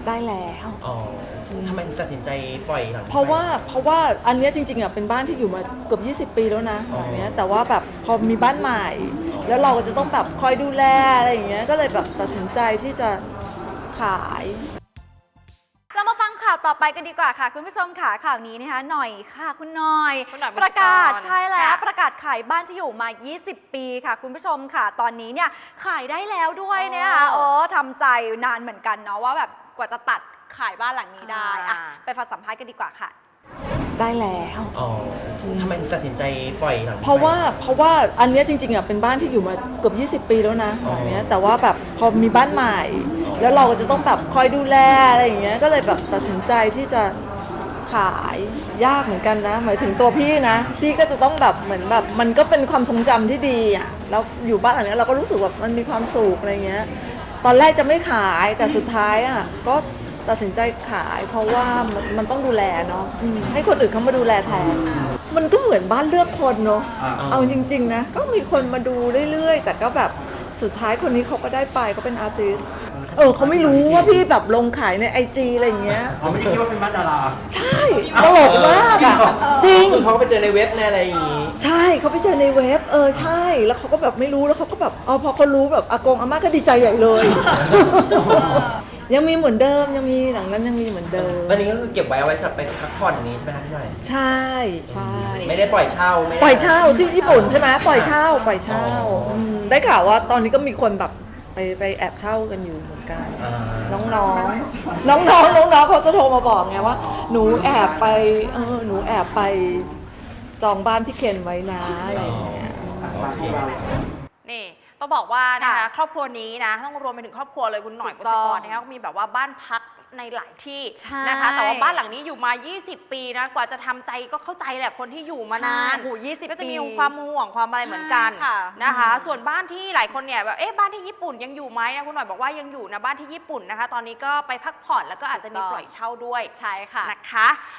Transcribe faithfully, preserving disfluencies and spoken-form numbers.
ได้แล้วอ๋อทำไมถึงตัดสินใจปล่อยหลังเพราะว่าเพราะว่าอันเนี้ยจริงๆอ่ะเป็นบ้านที่อยู่มาเกือบยี่สิบปีแล้วนะหลังเนี้ยแต่ว่าแบบพอมีบ้านใหม่ แล้วเราก็จะต้องแบบคอยดูแลอะไรอย่างเงี้ยก็เลยแบบตัดสินใจที่จะขายเรามาฟังข่าวต่อไปกันดีกว่าค่ะคุณผู้ชมค่ะข่าวนี้นะคะหน่อยค่ะคุณหน่อยคุณหน่อยประกาศบุษกรใช่แล้วค่ะประกาศขายบ้านที่อยู่มา ยี่สิบ ปีค่ะคุณผู้ชมค่ะตอนนี้เนี่ยขายได้แล้วด้วยเนี่ยค่ะโอ้ทำใจนานเหมือนกันเนาะว่าแบบกว่าจะตัดขายบ้านหลังนี้ได้อะไปฟังสัมภาษณ์กันดีกว่าค่ะได้แล้วอ๋อทำไมถึงตัดสินใจปล่อยหลังเพราะว่าเพราะว่าอันเนี้ยจริงๆอ่ะเป็นบ้านที่อยู่มาเกือบยี่สิบปีแล้วนะหลังเนี้ยแต่ว่าแบบพอมีบ้านใหม่ แล้วเราก็จะต้องแบบคอยดูแลอะไรอย่างเงี้ยก็เลยแบบตัดสินใจที่จะขายยากเหมือนกันนะหมายถึงตัวพี่นะพี่ก็จะต้องแบบเหมือนแบบมันก็เป็นความทรงจำที่ดีอ่ะแล้วอยู่บ้านหลังเนี้ยเราก็รู้สึกแบบมันมีความสุขอะไรเงี้ยตอนแรกจะไม่ขายแต่สุดท้ายอ่ะก็ตัดสินใจขาย เพราะว่ามันมันต้องดูแลเนาะอืมให้คนอื่นเขามาดูแลแทนมันก็เหมือนบ้านเลือกคนเนาะเอาจริงๆนะก็มีคนมาดูเรื่อยๆแต่ก็แบบสุดท้ายคนนี้เขาก็ได้ไปเขาเป็นอาร์ติสต์เออเขาไม่รู้ว่าพี่แบบลงขายในไอจีอะไรอย่างเงี้ยเขาไม่ได้คิดว่าเป็นบ้านดาราใช่ตลกมากอ่ะจริงคือเขาไปเจอในเว็บในอะไรอย่างงี้ใช่เขาไปเจอในเว็บเออใช่แล้วเขาก็แบบไม่รู้แล้วเขาก็แบบเออพอเขารู้แบบอากงอาม่าก็ดีใจใหญ่เลย ยังมีเหมือนเดิมยังมีหลังนั้นยังมีเหมือนเดิมแล้วนี้ก็คือเก็บไว้เอาไว้สำหรับไปพักผ่อนอย่างนี้ใช่ไหมคะพี่หน่อยใช่ใช่ไม่ได้ปล่อยเช่าไม่ได้ปล่อยเช่าที่ญี่ปุ่นใช่ไหมปล่อยเช่าปล่อยเช่าอ๋ออืมได้ข่าวว่าตอนนี้ก็มีคนแบบไปไปแอบเช่ากันอยู่เหมือนกันอ่าน้องๆ น้องๆ น้องๆเขาจะโทรมาบอกไงว่า หนูแอบไปเออหนูแอบไปจองบ้านพี่เคนไว้นะอะไรอย่างเงี้ยบ้านของเรานี่ต้องบอกว่านะคะค่ะครอบครัวนี้นะต้องรวมไปถึงครอบครัวเลยคุณหน่อยถูบุกต้ษองกรนะคะมีแบบว่าบ้านพักในหลายที่ใช่นะคะแต่ว่าบ้านหลังนี้อยู่มา ยี่สิบ ปีนะกว่าจะทำใจก็เข้าใจแหละคนที่อยู่มานานใช่โอ้โหยี่สิบก็จะมีปีความห่วงความอะไรเหมือนกันใช่ค่ะนะคะอืมส่วนบ้านที่หลายคนเนี่ยแบบเอ๊ะบ้านที่ญี่ปุ่นยังอยู่ไหมนะคุณหน่อยบอกว่ายังอยู่นะบ้านที่ญี่ปุ่นนะคะ ตอนนี้ก็ไปพักผ่อนแล้วก็อาจจะมีปล่อยเช่าด้วยใช่ค่ะนะคะ